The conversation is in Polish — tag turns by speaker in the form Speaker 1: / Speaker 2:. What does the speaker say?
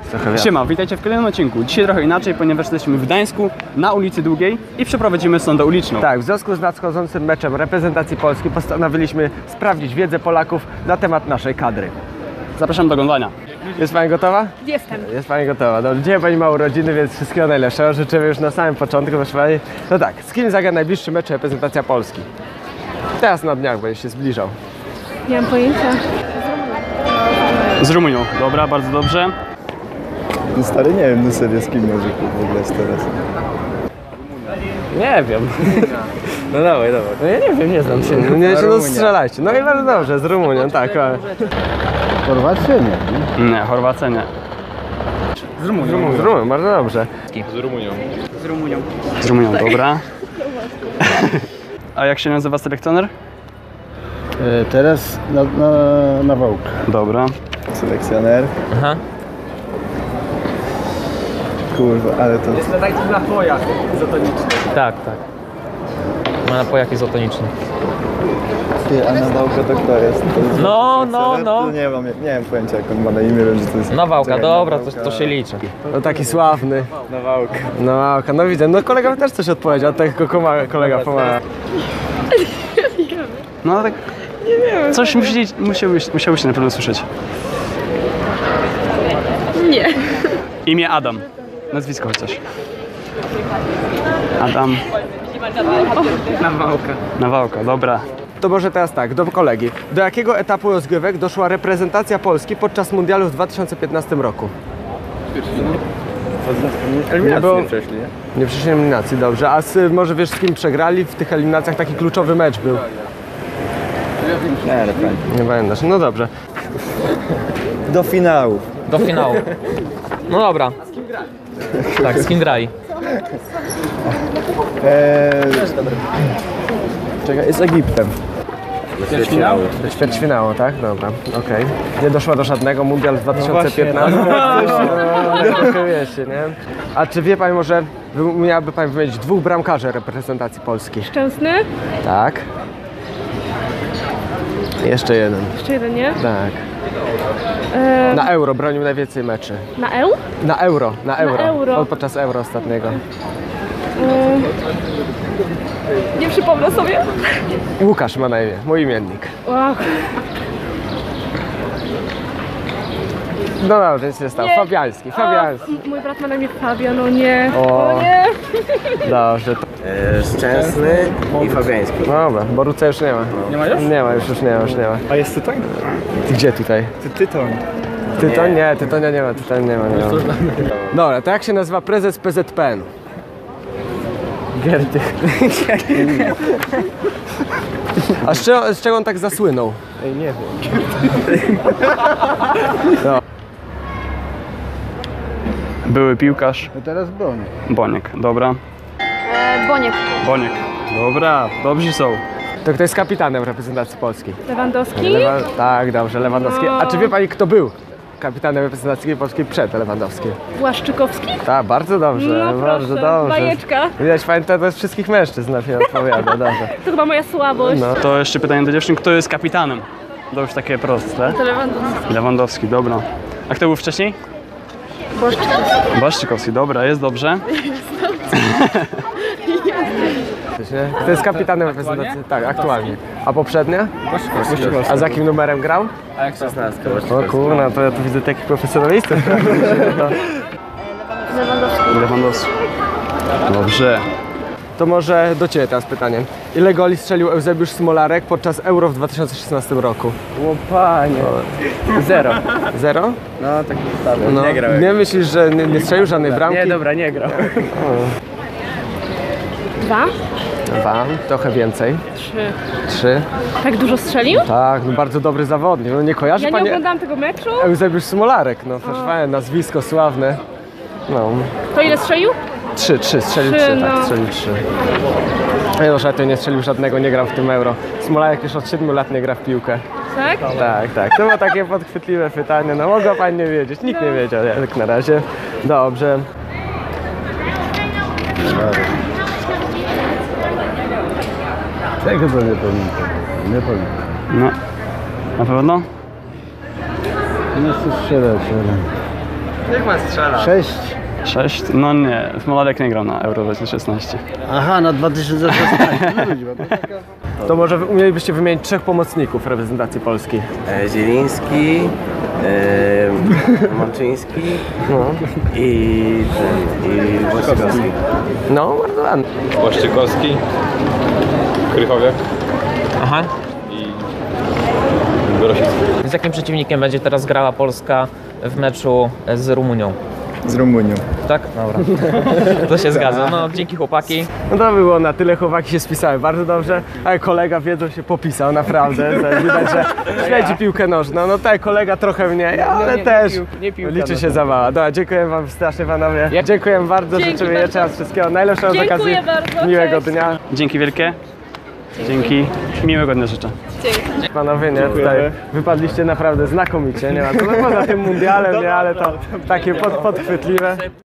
Speaker 1: Siema, witajcie w kolejnym odcinku. Dzisiaj trochę inaczej, ponieważ jesteśmy w Gdańsku, na ulicy Długiej i przeprowadzimy sondę uliczną.
Speaker 2: Tak, w związku z nadchodzącym meczem reprezentacji Polski postanowiliśmy sprawdzić wiedzę Polaków na temat naszej kadry.
Speaker 1: Zapraszam do oglądania.
Speaker 2: Jest Pani gotowa?
Speaker 3: Jestem.
Speaker 2: Jest Pani gotowa. Dobrze, dzisiaj Pani ma urodziny, więc wszystkiego najlepszego. Życzymy już na samym początku, proszę Pani. No tak, z kim zagra najbliższy mecz reprezentacja Polski? Teraz na dniach będzie się zbliżał.
Speaker 3: Nie mam pojęcia.
Speaker 1: Z Rumunią. Dobra, bardzo dobrze.
Speaker 4: No stary, nie wiem, no serio, z kim może w ogóle jest teraz?
Speaker 2: Nie wiem. No dawaj. No ja nie wiem, nie znam się. No strzelajcie. No i bardzo dobrze, z Rumunią, tak.
Speaker 4: Chorwacja nie.
Speaker 1: Nie, Chorwacja nie.
Speaker 2: Z Rumunią, bardzo dobrze.
Speaker 1: Z Rumunią, dobra. A jak się nazywa selekcjoner?
Speaker 4: Teraz na Wałkę.
Speaker 1: Dobra.
Speaker 4: Selekcjoner.
Speaker 5: Aha.
Speaker 4: Kurwa, ale to...
Speaker 2: Jest taki napojach izotoniczny.
Speaker 5: Tak. Ma napojak izotoniczny.
Speaker 4: Ty, a na Wałkę to kto jest? To jest
Speaker 5: No.
Speaker 4: To nie wiem pojęcia, jak on ma na imię, wiem, że to jest...
Speaker 5: Nawałka,
Speaker 4: Czekaj,
Speaker 5: dobra,
Speaker 4: Nawałka.
Speaker 5: to się liczy.
Speaker 2: No taki sławny.
Speaker 4: Na Wałkę.
Speaker 2: No widzę. No kolega też coś odpowiedział, tak kolega pomaga.
Speaker 1: No tak. Coś musiałbyś na pewno słyszeć.
Speaker 3: Nie.
Speaker 1: Imię Adam. Nazwisko chociaż. Adam. Nawałka, dobra.
Speaker 2: To może teraz tak, do kolegi. Do jakiego etapu rozgrywek doszła reprezentacja Polski podczas mundialu w 2015 roku?
Speaker 4: Eliminacje przeszli, nie?
Speaker 2: Nie przeszli eliminacji, dobrze. A może wiesz, z kim przegrali w tych eliminacjach? Taki kluczowy mecz był.
Speaker 4: Nie,
Speaker 2: Nie pamiętasz. No dobrze.
Speaker 4: do finału.
Speaker 5: Do finału. No dobra. Tak, z kim grali?
Speaker 4: Czekaj, z Egiptem.
Speaker 2: Do ćwierćfinału, tak? Dobra, okej. Nie doszła do żadnego, mundial w 2015. Trochę wiecie, nie? A czy wie Pani może, miałaby Pani wymienić dwóch bramkarzy reprezentacji Polski?
Speaker 3: Szczęsny?
Speaker 2: Tak. Jeszcze jeden.
Speaker 3: Jeszcze jeden, nie?
Speaker 2: Tak. Na Euro bronił najwięcej meczy.
Speaker 3: Na Eł?
Speaker 2: Na Euro.
Speaker 3: Euro.
Speaker 2: Podczas Euro ostatniego.
Speaker 3: Nie przypomnę sobie.
Speaker 2: Łukasz ma na imię, mój imiennik.
Speaker 3: Ach,
Speaker 2: No dobrze, nic nie stało.
Speaker 3: Nie.
Speaker 2: Fabiański.
Speaker 3: mój brat ma na imię Fabian, no nie.
Speaker 2: O.
Speaker 3: O nie.
Speaker 2: Dobrze.
Speaker 6: Szczęsny i Fabiański.
Speaker 2: No dobra, Boruca już nie ma. Nie ma już? Nie ma, już nie ma.
Speaker 4: A jest Tytoń?
Speaker 2: Gdzie tutaj?
Speaker 4: Tytoń.
Speaker 2: Tytoń? Nie, Tytonia nie ma, nie ma. Dobra, to jak się nazywa prezes PZPN? Gerdych. A z czego on tak zasłynął?
Speaker 4: Ej, nie wiem.
Speaker 1: Były piłkarz.
Speaker 4: No teraz broni.
Speaker 1: Boniek, dobra.
Speaker 3: Boniek.
Speaker 1: Boniek. Dobra, dobrzy są.
Speaker 2: To kto jest kapitanem reprezentacji Polski?
Speaker 3: Lewandowski?
Speaker 2: Tak, dobrze, Lewandowski. A czy wie Pani, kto był kapitanem reprezentacji Polskiej przed Lewandowskim?
Speaker 3: Błaszczykowski?
Speaker 2: Tak, bardzo dobrze,
Speaker 3: No
Speaker 2: bardzo
Speaker 3: proszę,
Speaker 2: dobrze.
Speaker 3: bajeczka.
Speaker 2: Widać Pani, to jest wszystkich mężczyzn na mnie odpowiada, dobrze.
Speaker 3: To chyba moja słabość.
Speaker 2: No.
Speaker 1: To jeszcze pytanie do dziewczyn, kto jest kapitanem? To już takie proste.
Speaker 3: To Lewandowski.
Speaker 1: Lewandowski, dobra. A kto był wcześniej? Błaszczykowski, dobra, jest dobrze.
Speaker 2: To jest kapitanem reprezentacji, tak, aktualnie. A poprzednia? A za jakim numerem grał?
Speaker 6: 16.
Speaker 2: O kurna, to ja tu widzę takich profesjonalistów.
Speaker 1: Lewandowski. Dobrze.
Speaker 2: To może do Ciebie teraz pytanie. Ile goli strzelił Eusebiusz Smolarek podczas Euro w 2016 roku?
Speaker 4: O panie.
Speaker 2: 0. 0?
Speaker 4: No, tak zostawiam.
Speaker 2: No.
Speaker 4: Nie grał.
Speaker 2: Nie myślisz, że nie strzelił żadnej bramki?
Speaker 4: Nie, dobra, nie grał.
Speaker 3: 2?
Speaker 2: 2, trochę więcej.
Speaker 3: 3.
Speaker 2: 3.
Speaker 3: Tak dużo strzelił?
Speaker 2: Tak, no bardzo dobry zawodnik. No nie kojarzy
Speaker 3: Ja nie
Speaker 2: Pani
Speaker 3: oglądałam tego meczu.
Speaker 2: Eusebiusz Smolarek? No proszę Pani, nazwisko sławne. No.
Speaker 3: To ile strzelił?
Speaker 2: 3, strzelił
Speaker 3: 3,
Speaker 2: 3,
Speaker 3: no.
Speaker 2: tak, strzelił 3. No, że to nie strzelił żadnego, nie grał w tym Euro. Smolarek już od 7 lat nie gra w piłkę.
Speaker 3: Tak?
Speaker 2: Tak. To było takie podchwytliwe pytanie, no mogła Pani nie wiedzieć, nikt nie wiedział jak na razie. Dobrze.
Speaker 4: Czego to nie pamiętam? Nie pamiętam.
Speaker 1: No. Na pewno?
Speaker 4: Nie chcę strzelać, ale...
Speaker 2: Niech pan strzela.
Speaker 4: 6.
Speaker 1: 6? No nie, Smolarek nie grał na Euro 2016.
Speaker 4: Aha, na 2016. No ludzi, bo to taka...
Speaker 2: To może umielibyście wymienić 3 pomocników reprezentacji Polski.
Speaker 6: Zieliński, Mączyński i Włoszykowski.
Speaker 2: No, bardzo ładnie.
Speaker 7: Łaszczykowski, Krychowiak
Speaker 5: Aha.
Speaker 7: i Grosicki.
Speaker 5: Z jakim przeciwnikiem będzie teraz grała Polska w meczu z Rumunią?
Speaker 4: Z Rumunią.
Speaker 5: Tak? Dobra. To się zgadza. No, dzięki chłopaki.
Speaker 2: No to by było na tyle, chłopaki się spisały bardzo dobrze, ale kolega wiedzą się popisał, naprawdę. To widać, że śledzi piłkę nożną. No tak, kolega trochę mniej, ale też liczy się zabawa. Dobra, dziękuję wam strasznie panowie. Dziękuję bardzo,
Speaker 3: Dzięki
Speaker 2: życzymy
Speaker 3: bardzo.
Speaker 2: jeszcze raz wszystkiego najlepszego z
Speaker 3: Dziękuję
Speaker 2: okazji
Speaker 3: bardzo,
Speaker 2: miłego
Speaker 3: cześć.
Speaker 2: dnia.
Speaker 1: Dzięki wielkie. Dzięki. Miłego dnia życzę.
Speaker 2: Panowie, nie, tutaj wypadliście naprawdę znakomicie, nie ma co, no poza tym mundialem, nie, ale to takie podchwytliwe.